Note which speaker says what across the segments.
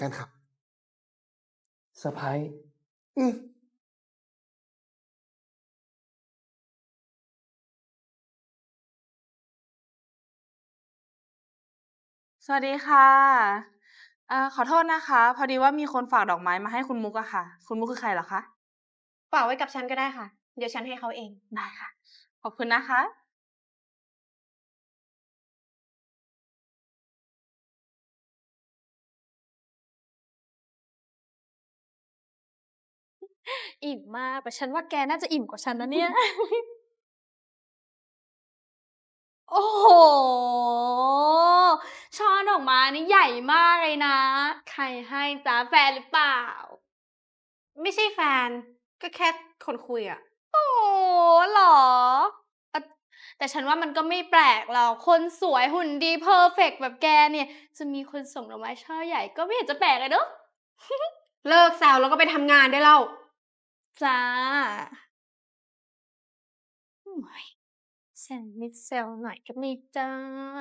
Speaker 1: กันครับ
Speaker 2: เซอร์ไพรส์
Speaker 1: อืม
Speaker 3: สวัสดีค่ะขอโทษนะคะ พอดีว่ามีคนฝากดอกไม้มาให้คุณมุกอะค่ะ คุณมุกคือใครเหรอคะ
Speaker 4: ฝากไว้กับฉันก็ได้ค่ะ เดี๋ยวฉันให้เขาเอง
Speaker 3: ได้ค่ะ ขอบคุณนะคะ
Speaker 4: อิ่มมาก แต่ฉันว่าแกน่าจะอิ่มกว่าฉันนะเนี่ย โอ้โห ช่อดอกไม้นี่ใหญ่มากเลยนะ ใครให้จ๊ะแฟนหรือเปล่า ไม่ใช่แฟน ก็แค่คนคุยอะโอ้เหรอเอ่อแต่ฉันว่ามันก็ไม่แปลกหรอก คนสวยหุ่นดีเพอร์เฟกต์แบบแกเนี่ย จะมีคนส่งดอกไม้ช่อใหญ่ก็ไม่เห็นจะแปลกเลยเนอะ เลิกแซวแล้วก็ไปทำงานได้แล้วจ้าโอ้ยแซวนิดแซวหน่อยก็ไม่ได้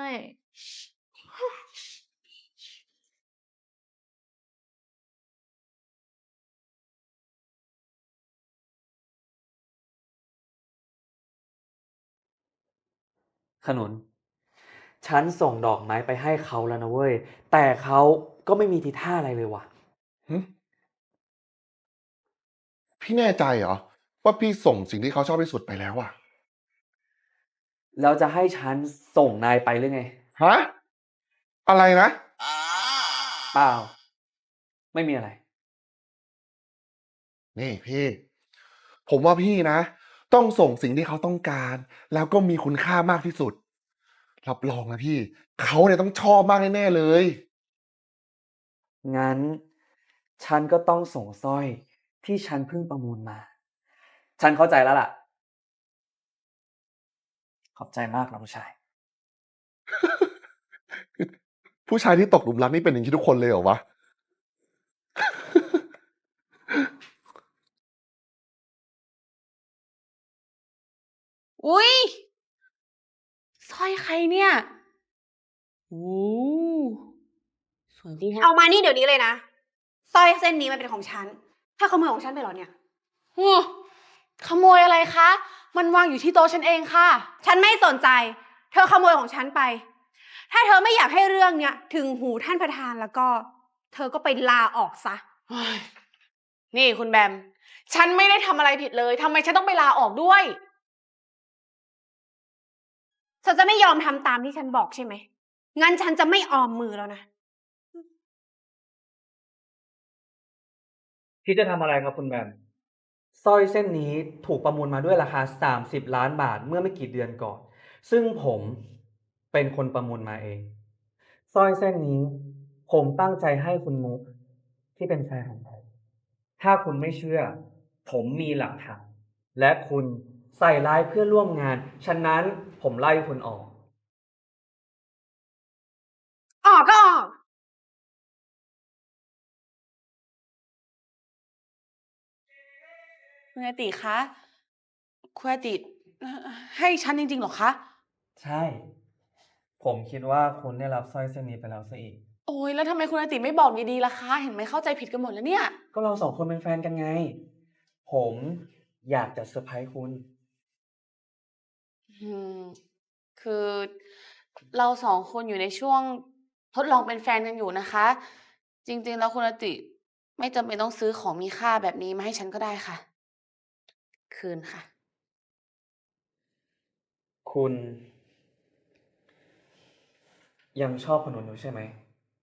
Speaker 2: ขนุน ฉันส่งดอกไม้ไปให้เขาแล้วนะเว้ย แต่เขาก็ไม่มีทีท่าอะไรเลยว่ะ
Speaker 1: หึพี่แน่ใจเหรอว่าพี่ส่งสิ่งที่เขาชอบที่สุดไปแล้วอะ
Speaker 2: แล้วจะให้ฉันส่งนายไปหรือไง
Speaker 1: ฮะอะไรนะ
Speaker 2: เปล่า ไม่มีอะไร
Speaker 1: นี่พี่ ผมว่าพี่นะ ต้องส่งสิ่งที่เขาต้องการ แล้วก็มีคุณค่ามากที่สุด รับรองนะพี่ เขาเนี่ยต้องชอบมากแน่ๆเลย
Speaker 2: งั้น ฉันก็ต้องส่งสร้อยที่ฉันเพิ่งประมูลมา ฉันเข้าใจแล้วล่ะ ขอบใจมากน้องชาย
Speaker 1: ผู้ชายที่ตกหลุมรักนี่เป็นอย่างนี้ทุกคนเลยเหรอวะ
Speaker 3: อุ๊ยสร้อยใครเนี่ยโอ้สวยดีฮะ
Speaker 4: เอามานี่เดี๋ยวนี้เลยนะสร้อยเส้นนี้มันเป็นของฉัน ถ้าขโมยของฉันไปเหรอเนี่ย
Speaker 3: ขโมยอะไรคะ มันวางอยู่ที่โต๊ะฉันเองค่ะ
Speaker 4: ฉันไม่สนใจ เธอขโมยของฉันไป ถ้าเธอไม่อยากให้เรื่องเนี้ยถึงหูท่านประธานแล้วก็ เธอก็ไปลาออกซะ
Speaker 3: นี่คุณแบม ฉันไม่ได้ทำอะไรผิดเลย ทำไมฉันต้องไปลาออกด้วย
Speaker 4: เธอจะไม่ยอมทำตามที่ฉันบอกใช่ไหม งั้นฉันจะไม่ออมมือแล้วนะ
Speaker 2: พี่จะทำอะไรครับคุณแบมสร้อยเส้นนี้ถูกประมูลมาด้วยราคา30 ล้านบาทเมื่อไม่กี่เดือนก่อน ซึ่งผมเป็นคนประมูลมาเองสร้อยเส้นนี้ผมตั้งใจให้คุณมุกที่เป็นแฟนของผมถ้าคุณไม่เชื่อ ผมมีหลักฐานและคุณใส่ร้ายเพื่อนร่วมงาน ฉะนั้นผมไล่คุณออก
Speaker 4: ออกก็ออก
Speaker 3: คุณอาติคะคุณอาติให้ฉันจริงๆเหรอคะ
Speaker 2: ใช่ ผมคิดว่าคุณได้รับสร้อยเส้นนี้ไปแล้วซะอีก
Speaker 3: โอ้ยแล้วทำไมคุณอาติไม่บอกดีๆล่ะคะ เห็นไหมเข้าใจผิดกันหมดแล้วเนี่ย
Speaker 2: ก็เราสองคนเป็นแฟนกันไง ผมอยากจะเซอร์ไพรส์คุณ
Speaker 3: อืม คือเราสองคนอยู่ในช่วงทดลองเป็นแฟนกันอยู่นะคะ จริงๆแล้วคุณอาติไม่จำเป็นต้องซื้อของมีค่าแบบนี้มาให้ฉันก็ได้ค่ะ คืนค่ะ
Speaker 2: คุณ ยังชอบขนุนอยู่ใช่ไหม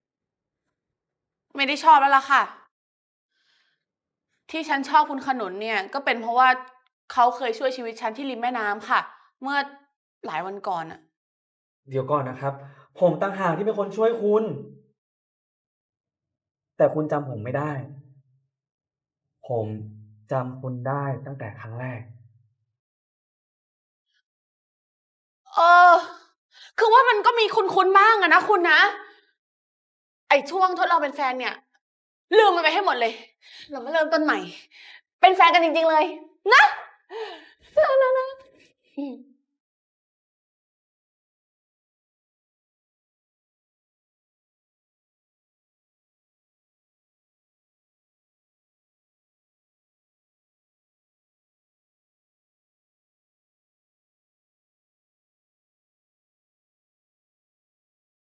Speaker 3: ไม่ได้ชอบแล้วล่ะค่ะ ที่ฉันชอบคุณขนุนเนี่ย ก็เป็นเพราะว่าเขาเคยช่วยชีวิตฉันที่ริมแม่น้ำค่ะ เมื่อหลายวันก่อนอะ
Speaker 2: เดี๋ยวก่อนนะครับ ผมต่างหากที่เป็นคนช่วยคุณ แต่คุณจำผมไม่ได้ ผมจำคุณได้ตั้งแต่ครั้งแรก
Speaker 3: เออ คือว่ามันก็มีคุ้นๆบ้างอะนะคุณนะ ไอ้ช่วงทดลองเป็นแฟนเนี่ย ลืมมันไปให้หมดเลย เรามาเริ่มต้นใหม่ เป็นแฟนกันจริงๆเลย นะนะ